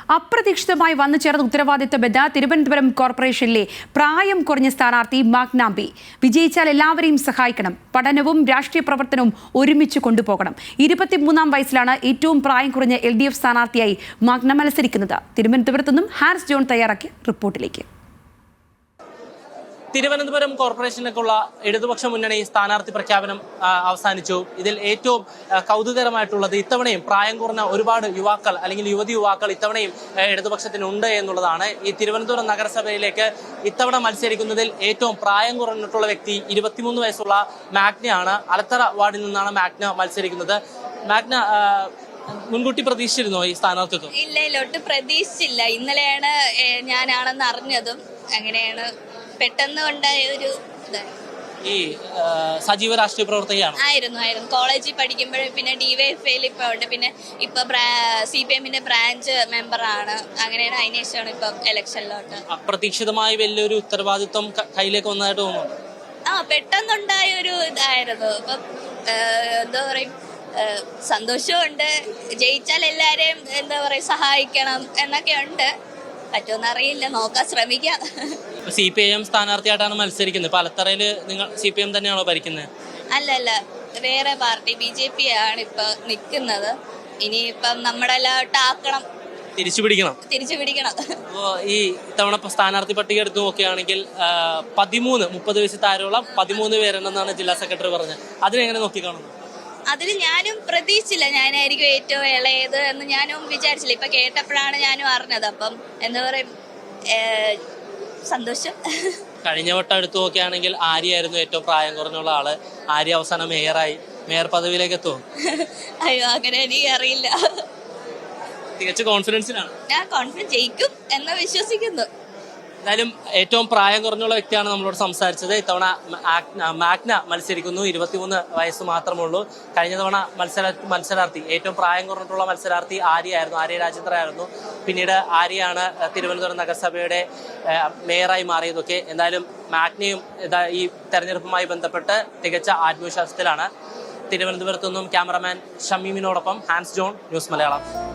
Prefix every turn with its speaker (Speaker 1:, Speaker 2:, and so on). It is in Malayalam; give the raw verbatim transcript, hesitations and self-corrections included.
Speaker 1: അപ്രതീക്ഷിതമായി വന്നു ചേർന്ന ഉത്തരവാദിത്തമെന്ന് തിരുവനന്തപുരം കോർപ്പറേഷനിലെ പ്രായം കുറഞ്ഞ സ്ഥാനാർത്ഥി മാഗ്നാംബി. വിജയിച്ചാൽ എല്ലാവരെയും സഹായിക്കണം, പഠനവും രാഷ്ട്രീയ പ്രവർത്തനവും ഒരുമിച്ച് കൊണ്ടുപോകണം. ഇരുപത്തിമൂന്നാം വയസ്സിലാണ് ഏറ്റവും പ്രായം കുറഞ്ഞ എൽ ഡി എഫ് സ്ഥാനാർത്ഥിയായി മാഗ്ന മത്സരിക്കുന്നത്. തിരുവനന്തപുരത്തു നിന്നും ഹാരിസ് ജോൺ തയ്യാറാക്കിയ റിപ്പോർട്ടിലേക്ക്.
Speaker 2: തിരുവനന്തപുരം കോർപ്പറേഷനിലേക്കുള്ള ഇടതുപക്ഷ മുന്നണി സ്ഥാനാർത്ഥി പ്രഖ്യാപനം അവസാനിച്ചു. ഇതിൽ ഏറ്റവും കൗതുകരമായിട്ടുള്ളത് ഇത്തവണയും പ്രായം കുറഞ്ഞ ഒരുപാട് യുവാക്കൾ അല്ലെങ്കിൽ യുവതി യുവാക്കൾ ഇത്തവണയും ഇടതുപക്ഷത്തിനുണ്ട് എന്നുള്ളതാണ്. ഈ തിരുവനന്തപുരം നഗരസഭയിലേക്ക് ഇത്തവണ മത്സരിക്കുന്നതിൽ ഏറ്റവും പ്രായം കുറഞ്ഞിട്ടുള്ള വ്യക്തി ഇരുപത്തിമൂന്ന് വയസ്സുള്ള മാഗ്നയാണ്. അലത്തറ വാർഡിൽ നിന്നാണ് മാഗ്ന മത്സരിക്കുന്നത്. മാഗ്ന മുൻകൂട്ടി പ്രതീക്ഷിച്ചിരുന്നോ ഈ സ്ഥാനാർത്ഥിത്വം?
Speaker 3: ഇല്ല ഇല്ല ഒട്ടും പ്രതീക്ഷിച്ചില്ല. ഇന്നലെയാണ് ഞാനാണെന്ന് അറിഞ്ഞതും. അങ്ങനെയാണ് പെട്ടെന്ന് ഉണ്ടായ ഒരു
Speaker 2: ഈ സജീവ രാഷ്ട്രീയ പ്രവർത്തകയാണ്
Speaker 3: ആയിരുന്നു ആയിരുന്നു കോളേജിൽ പഠിക്കുമ്പോഴേ. പിന്നെ ഡിവൈഎഫ്ഐയിൽ ഇപ്പൊ ഉണ്ട്. പിന്നെ ഇപ്പൊ സി പി എമ്മിന്റെ ബ്രാഞ്ച് മെമ്പറാണ്. അങ്ങനെയാണ്. അതിനുശേഷമാണ് ഇപ്പൊ ഇലക്ഷനിലോട്ട്.
Speaker 2: അപ്രതീക്ഷിതമായി വലിയൊരു ഉത്തരവാദിത്വം കയ്യിലേക്ക് വന്നതായിട്ട് തോന്നുന്നു.
Speaker 3: ആ പെട്ടെന്നുണ്ടായ ഒരു ഇതായിരുന്നു. ഇപ്പൊ എന്താ പറയും, സന്തോഷമുണ്ട്. ജയിച്ചാൽ എല്ലാരെയും എന്താ പറയാ സഹായിക്കണം എന്നൊക്കെ ഉണ്ട്. പറ്റുമെന്ന് അറിയില്ല, നോക്കാൻ ശ്രമിക്കാം.
Speaker 2: സി പി ഐ എം സ്ഥാനാർത്ഥിയായിട്ടാണ് മത്സരിക്കുന്നത്. പാലത്തറയില് നിങ്ങൾ സി പി എം തന്നെയാണോ ഭരിക്കുന്നത്?
Speaker 3: അല്ല അല്ല വേറെ പാർട്ടി ബി ജെ പി ആണ് ഇപ്പൊ നിൽക്കുന്നത്. ഇനിയിപ്പം നമ്മുടെ എല്ലാവട്ടാക്കണം,
Speaker 2: തിരിച്ചു പിടിക്കണം
Speaker 3: തിരിച്ചു പിടിക്കണം.
Speaker 2: അപ്പോ ഈ ഇത്തവണ സ്ഥാനാർത്ഥി പട്ടിക എടുത്തു നോക്കുകയാണെങ്കിൽ പതിമൂന്ന് മുപ്പത് വയസ്സ് താരമുള്ള പതിമൂന്ന് പേരുണ്ടെന്നാണ് ജില്ലാ സെക്രട്ടറി പറഞ്ഞത്. അതിനെങ്ങനെ നോക്കിക്കാണുന്നു?
Speaker 3: അതിൽ ഞാനും പ്രതീക്ഷിച്ചില്ല ഞാനായിരിക്കും ഏറ്റവും ഇളയത് എന്ന് ഞാനും വിചാരിച്ചില്ല. ഇപ്പൊ കേട്ടപ്പോഴാണ് ഞാനും അറിഞ്ഞത്. അപ്പം എന്താ പറയും, സന്തോഷം.
Speaker 2: കഴിഞ്ഞ വട്ടം എടുത്തു നോക്കുകയാണെങ്കിൽ ആര്യായിരുന്നു ഏറ്റവും പ്രായം കുറഞ്ഞുള്ള ആള്. ആര്യ അവസാനം മേയറായി. മേയർ പദവിയിലേക്ക് എത്തുമോ?
Speaker 3: അയ്യോ അങ്ങനെ എനിക്ക് അറിയില്ല.
Speaker 2: തികച്ച കോൺഫിഡൻസിലാണ്.
Speaker 3: ഞാൻ കോൺഫിഡൻസ് ജയിക്കും എന്ന് വിശ്വസിക്കുന്നു.
Speaker 2: എന്തായാലും ഏറ്റവും പ്രായം കുറഞ്ഞുള്ള വ്യക്തിയാണ് നമ്മളോട് സംസാരിച്ചത്. ഇത്തവണ മാഗ്ന മത്സരിക്കുന്നു. ഇരുപത്തിമൂന്ന് വയസ്സ് മാത്രമുള്ളൂ. കഴിഞ്ഞ തവണ മത്സര മത്സരാർത്ഥി ഏറ്റവും പ്രായം കുറഞ്ഞിട്ടുള്ള മത്സരാർത്ഥി ആര്യായിരുന്നു. ആര്യ രാജേന്ദ്ര ആയിരുന്നു. പിന്നീട് ആര്യയാണ് തിരുവനന്തപുരം നഗരസഭയുടെ മേയറായി മാറിയതൊക്കെ. എന്തായാലും മാഗ്നയും ഈ തെരഞ്ഞെടുപ്പുമായി ബന്ധപ്പെട്ട് തികച്ച ആത്മവിശ്വാസത്തിലാണ്. തിരുവനന്തപുരത്തു നിന്നും ക്യാമറമാൻ ഷമീമിനോടൊപ്പം ഹാൻസ് ജോൺ, ന്യൂസ് മലയാളം.